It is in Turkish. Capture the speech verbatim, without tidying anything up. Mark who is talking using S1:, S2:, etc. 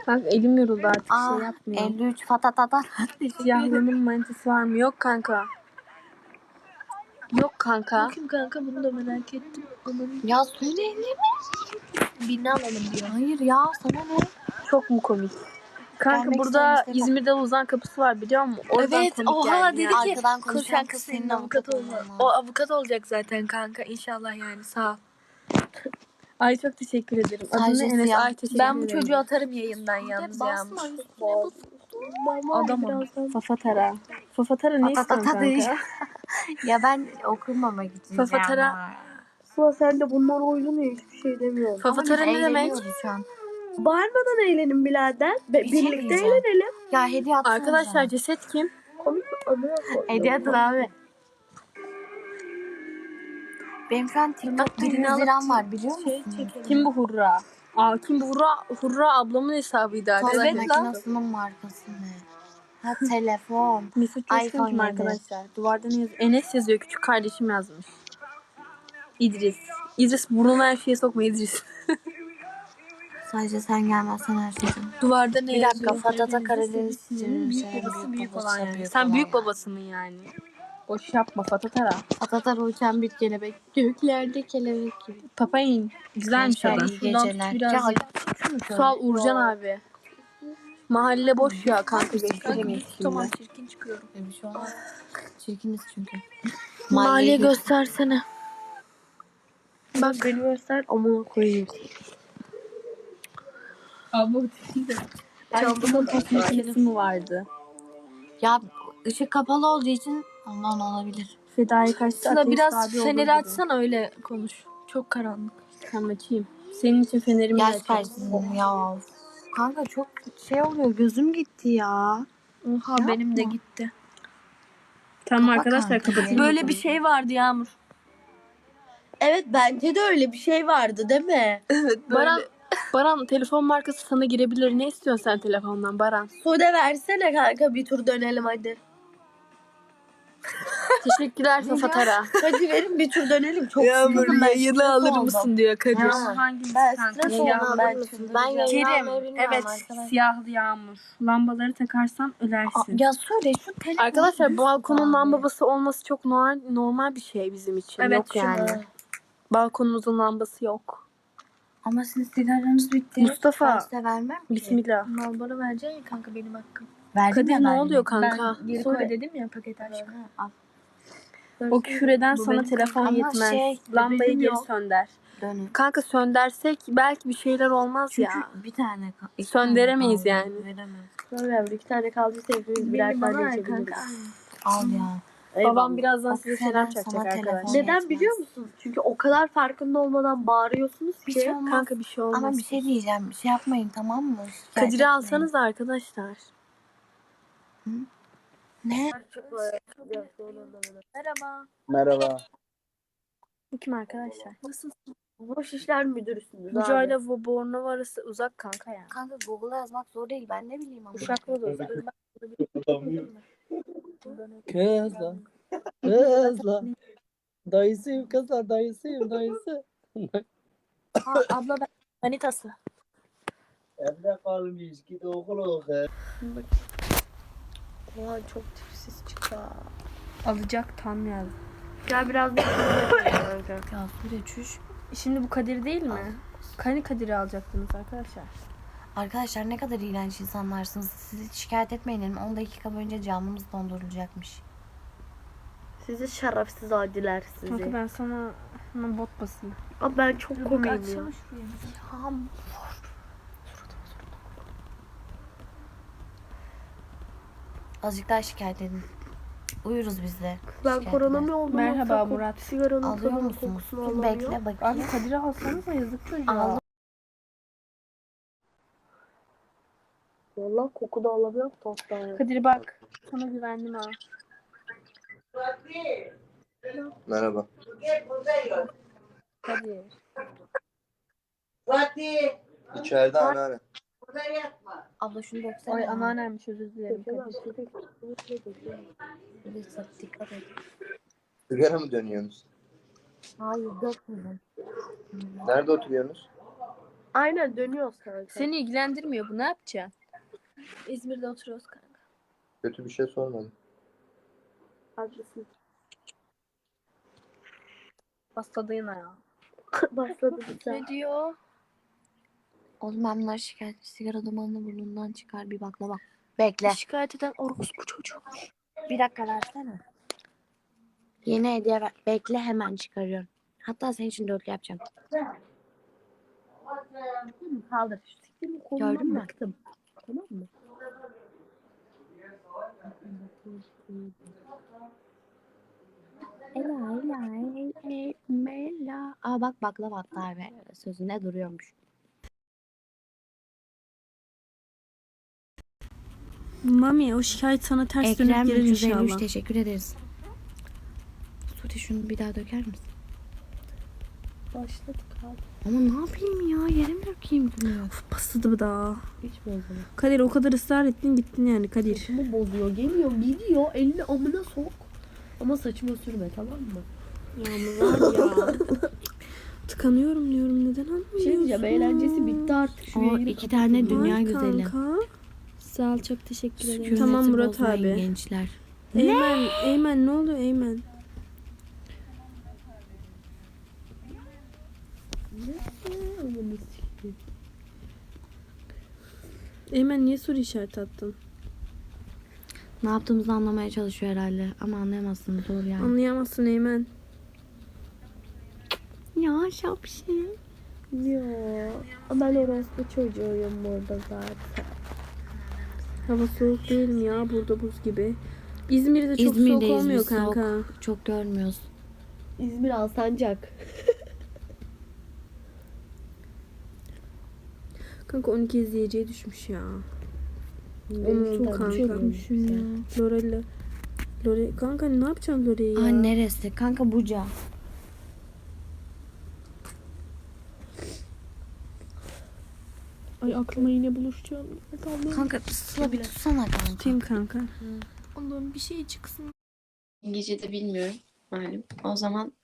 S1: Bak elim yoruldu artık
S2: Aa,
S1: şey yapmıyor.
S2: elli üç fatatata.
S1: Siyahlının manitası var mı? Yok kanka. Yok kanka.
S3: Bakayım kanka bunu da merak ettim. Onun
S2: Ya söyle mi?
S3: birini alalım diyor.
S2: Hayır ya sana ne?
S1: Çok mu komik? Kanka
S2: Gelmek
S1: burada
S2: isteyen işte-
S1: İzmir'de uzan kapısı var biliyor musun? Oradan
S3: Evet,
S1: komik
S3: oha
S1: geldi
S3: dedi
S1: ya.
S3: ki
S2: Arkadan
S3: koş
S2: konuşan
S3: kanka
S2: kız
S3: senin
S2: senin
S3: avukat
S2: avukat
S3: olma.
S2: olman
S3: O avukat olacak zaten kanka inşallah yani sağ ol.
S1: Ay çok teşekkür ederim. Adını
S2: Sadece
S1: Enes.
S2: siyah.
S1: Ay teşekkür
S3: Ben bu
S1: ederim.
S3: çocuğu atarım yayından yalnız
S2: basma
S3: Yağmur.
S2: üstüne
S3: Adamım.
S1: Fafatara. Fafatara ne istiyorsun
S2: Fatatata değil.
S1: kanka?
S2: Ya ben okumamak için.
S1: Fafatara-
S2: ya.
S4: Sıla sen de bunlar oynuyor hiçbir şey demiyorum.
S1: Fafatara
S2: Ama
S1: ne
S2: biz
S1: demek?
S2: eğleniyoruz şu an.
S4: Bağırmadan eğlenin birader. Be-
S2: Bir şey
S4: birlikte
S2: diyeceğim.
S4: eğlenelim.
S2: Ya hediye atsana
S1: Arkadaşlar
S2: sana.
S1: ceset kim?
S4: Komik bir anı yapalım.
S2: Hediye atın abi. Benim şu an TikTok'ta yüz liram var biliyor musun?
S1: Kim bu Hurra? Aa kim bu Hurra? Hurra ablamın hesabıydı
S2: Tost
S1: arkadaşlar.
S2: makinesinin markası ne? Ha telefon.
S1: Mesut Coşkun
S2: iPhone
S1: kim
S2: yedi.
S1: arkadaşlar? Duvarda ne yazıyor? Enes yazıyor. Küçük kardeşim yazmış. İdris. İdris burnuna her şeye sokma İdris.
S2: Sadece sen gelmezsen her şey.
S3: Duvarda ne
S2: Bir dakika
S3: yazıyor?
S2: Fatata Karadeniz
S1: Büyük
S2: büyük
S1: babası büyük olan yani.
S2: büyük
S1: Sen
S2: olan.
S1: büyük babasının yani. Boş yapma Fatatara.
S2: Fatata uçan bir kelebek. Göklerde kelebek gibi.
S1: Papayın. Güzelmiş
S2: Gençler,
S1: adam.
S2: iyi
S3: Şundan tut
S2: geceler.
S3: biraz
S2: Ya,
S3: ya.
S2: şunu şöyle.
S1: Sual Uğurcan abi. Mahalle boş ya kanka gösteremeyiz şimdi.
S3: Tamam çirkin çıkıyorum.
S2: Bir şey olmaz. Çirkiniz çünkü.
S3: Maliye
S2: göz.
S3: göstersene.
S4: Bak beni göster amına koyayım.
S1: Abla Çaldığımın toplantı mı vardı?
S2: Ya ışık kapalı olduğu için ondan olabilir.
S1: Fedai kaçtı.
S3: Sıla
S1: ateist
S3: biraz
S1: abi
S3: feneri
S1: olurdu.
S3: açsana öyle konuş. Çok karanlık.
S1: Tamam açayım. Senin için fenerimi
S2: Yaş
S1: açayım.
S2: kaçsın ya. Kanka çok şey oluyor gözüm gitti ya.
S3: Oha
S2: Yapma.
S3: benim de gitti.
S1: Tamam
S2: Kapa
S1: arkadaşlar
S2: kanka.
S1: kapatayım.
S3: Böyle bir şey vardı Yağmur.
S4: Evet bence de öyle bir şey vardı değil mi?
S3: Evet
S1: Baran, Baran telefon markası sana girebilir. Ne istiyorsun sen telefondan Baran?
S4: Sude versene kanka bir tur dönelim hadi.
S1: Teşekkürler Fafatara.
S4: Hadi verin bir tur dönelim. Çok
S3: Yağmur
S4: sıkıldım ben.
S3: yayını
S4: stres
S3: alır
S4: oldum.
S3: mısın diyor Kadir.
S2: Tamam.
S1: Hangimiz
S4: Ben
S1: kanka?
S4: stres
S1: Siyahlı
S4: oldum
S1: ben.
S4: ben.
S2: Ben yayını
S1: Kerim,
S2: almayı bilmiyorum
S1: evet
S2: arkadaşlar.
S1: siyahlı Yağmur. Lambaları takarsan ölersin.
S2: Ya söyle şu telefonu.
S1: Arkadaşlar
S2: düz
S1: balkonun
S2: tut abi.
S1: lambası olması çok normal, normal bir şey bizim için.
S3: Evet,
S1: yok yani.
S3: şunu.
S1: Balkonumuzun lambası yok.
S2: Ama sizin sigaranız bitti.
S1: Mustafa.
S2: Ben size vermem ki.
S1: Bismillah.
S3: Mal bana vereceksin ya kanka benim hakkım.
S2: Verdim
S1: Kadir
S2: ya
S1: ne
S2: verdim.
S1: oluyor kanka?
S3: Ben geri
S4: Söyle.
S3: koy dedim ya paket aşk.
S2: Al.
S1: O küfüreden
S3: Bu
S1: sana
S3: benim
S1: telefon
S2: Ama
S1: yetmez.
S2: şey,
S1: Lambayı
S2: bebeğim
S1: geri
S2: yok.
S1: sönder.
S2: Dönün.
S1: Kanka söndersek belki bir şeyler olmaz
S2: Çünkü
S1: ya.
S2: bir tane kal- iki
S1: Söndüremeyiz
S2: tane kaldı.
S1: yani.
S2: Veremem.
S4: Öyle iki tane kaldıysa hepimiz birer
S3: Benim bana
S4: tane
S3: ver
S4: içebiliriz.
S3: kanka.
S2: Al ya.
S4: Eyvallah.
S1: Babam birazdan
S2: O
S1: size
S2: küfürden
S1: selam
S2: sana
S1: çakacak
S2: telefon
S1: arkadaşlar.
S4: Neden
S2: yetmez.
S4: biliyor musun? Çünkü o kadar farkında olmadan bağırıyorsunuz
S2: Bir
S4: ki.
S2: şey olmaz.
S1: Kanka bir şey olmaz.
S2: Ama bir şey diyeceğim. Bir şey yapmayın tamam mı? Şikayet
S1: Kadir'i
S2: etmeyin.
S1: alsanız arkadaşlar.
S2: Ne?
S3: Merhaba.
S5: Merhaba.
S1: Bu kim arkadaşlar?
S3: Nasılsın?
S4: Boş işler müdürüsünüz
S1: Buca
S4: abi.
S1: ile Bornova arası uzak kanka ya.
S2: Kanka Google'a yazmak zor değil. Ben ne bileyim ama.
S1: Uşakla da uzak.
S5: Kızlar. Kızlar. Dayısıyım kızlar dayısıyım dayısı.
S3: Ha, abla ben manitası.
S5: Evde kalmış git okul oku.
S4: Ulan çok tipsiz çıktı. ha.
S1: Alacak tam yazdı.
S4: Gel biraz da kanka.
S2: Ya Sude çüş.
S1: Şimdi bu Kadir değil mi? Hani Kadir'i alacaktınız arkadaşlar?
S2: Arkadaşlar ne kadar iğrenç insanlarsınız. Sizi şikayet etmeyin dedim. on dakika boyunca camımız dondurulacakmış.
S4: Sizi şerefsiz adiler sizi.
S1: Kanka ben sana hemen bot basayım.
S4: Abi ben çok komiyim ya.
S3: Açsana şurayı.
S2: Ya azıcık daha şikayet edin. Uyuruz biz de.
S4: Ben
S2: Şikayet
S4: korona
S2: eder.
S4: mı oldum?
S1: Merhaba
S4: yoksa
S1: Murat.
S4: Sigaranın
S2: Alıyor
S4: tadını,
S2: musunuz?
S4: kokusunu
S2: Dur
S4: alamıyor.
S2: bekle
S1: Abi
S2: bakayım.
S1: Kadir'i alsanıza yazık çocuğa.
S2: Aldım.
S4: Valla koku da alamıyorum tosttan.
S1: Kadir bak. Sana güvendim ha.
S5: Merhaba.
S1: Kadir.
S6: Fatih,
S5: İçeride anneanne.
S6: burada yatma.
S2: Abla şunu döksene.
S1: Ay
S2: ya.
S1: anneannemmiş özür dilerim Kadir.
S2: Lütfen dikkat et.
S5: Sigara mı dönüyorsunuz?
S2: Hayır dökmedim.
S5: Nerede oturuyorsunuz?
S4: Aynen dönüyoruz kanka.
S1: Seni ilgilendirmiyor bu, ne yapacaksın?
S3: İzmir'de oturuyoruz kanka.
S6: Kötü bir şey sormadım.
S4: Haklısın.
S1: Başladı yine ya.
S4: Başladı bir
S3: Ne diyor?
S2: Oğlum ben bunları şikayet sigara dumanını burnundan çıkar bir baklava. Bekle.
S3: Şikayet eden orospu çocuğu.
S2: Bir dakika versene. Yeni hediye ver. Bekle hemen çıkarıyorum. Hatta senin için dörtlü yapacağım.
S4: Kaldır.
S2: Gördün mü?
S4: Baktım. Tamam mı?
S2: Ela ela ela ela. Aa bak baklava hatta ve sözünde duruyormuş.
S1: Mami o şikayet sana ters dönüp
S2: Ekrem
S1: gelir
S2: üç yüz elli üç
S1: inşallah.
S2: teşekkür ederiz. Sude şunu bir daha döker misin?
S4: Başladık abi.
S2: Ama ne yapayım ya? Yerim dökeyim bunu.
S1: Pasıdı bu da.
S4: Hiç bozulur.
S1: Kadir o kadar ısrar ettin gittin yani Kadir.
S4: Saçımı bozuyor. Geliyor gidiyor. Elini amına sok. Ama saçıma sürme tamam mı?
S1: Yağmur var ya. Tıkanıyorum diyorum, neden anlamıyorsun?
S4: Bir şey diyeceğim. Eğlencesi bitti artık. Şu
S2: O
S4: yayını
S2: iki
S4: kapatın.
S2: tane dünya
S1: Ay
S2: güzeli.
S1: kanka.
S3: Sağ ol, çok teşekkür ederim.
S2: Sükuneti
S1: Tamam Murat
S2: bozmayın
S1: abi.
S2: gençler.
S1: Eymen, Eymen ne oluyor Eymen?
S4: Amına sikeyim.
S1: Eymen niye soru işareti attın?
S2: Ne yaptığımızı anlamaya çalışıyor herhalde. Ama anlayamazsınız zor yani.
S1: Anlayamazsın Eymen.
S2: Ya şapşi.
S4: Ya. Ben orospu çocuğuyum burada zaten.
S1: Hava soğuk değil mi ya, burada buz gibi. İzmir'de çok
S2: İzmir'deyiz
S1: soğuk olmuyor
S2: biz, soğuk.
S1: kanka.
S2: Çok görmüyoruz.
S4: İzmir Alsancak.
S1: Kanka on iki izleyiciye düşmüş ya. Unuttum kanka.
S4: Çökmüşüm ya.
S1: Lorel'le. Lore kanka ne yapacaksın Lore'yi ya?
S2: Aa neresi? Kanka Buca.
S3: Ay aklıma yine buluşacağım.
S2: Kanka Sıla bir tutsana kanka.
S1: Tutayım kanka.
S3: Allah'ım bir şey çıksın.
S2: İngilizce de bilmiyorum malum. O zaman